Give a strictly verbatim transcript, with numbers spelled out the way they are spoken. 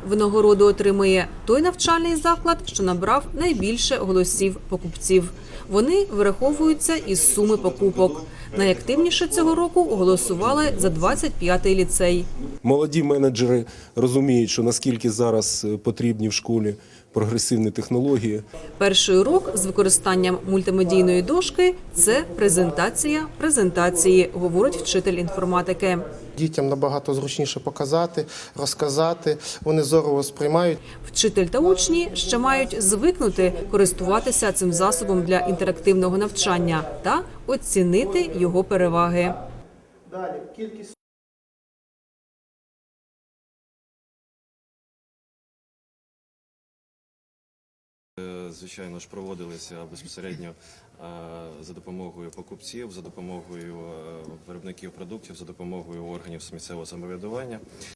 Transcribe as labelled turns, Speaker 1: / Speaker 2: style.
Speaker 1: Винагороду отримує той навчальний заклад, що набрав найбільше голосів покупців. Вони вираховуються із суми покупок. Найактивніше цього року голосували за двадцять п'ятий ліцей.
Speaker 2: Молоді менеджери розуміють, що наскільки зараз потрібні в школі прогресивні технології.
Speaker 1: Перший урок з використанням мультимедійної дошки – це презентація презентації, говорить вчитель інформатики.
Speaker 3: Дітям набагато зручніше показати, розказати, вони зорово сприймають.
Speaker 1: Вчитель та учні ще мають звикнути користуватися цим засобом для інтерактивного навчання та оцінити його переваги.
Speaker 3: Далі, кількість
Speaker 4: Звичайно ж, проводилися безпосередньо за допомогою покупців, за допомогою виробників продуктів, за допомогою органів місцевого самоврядування.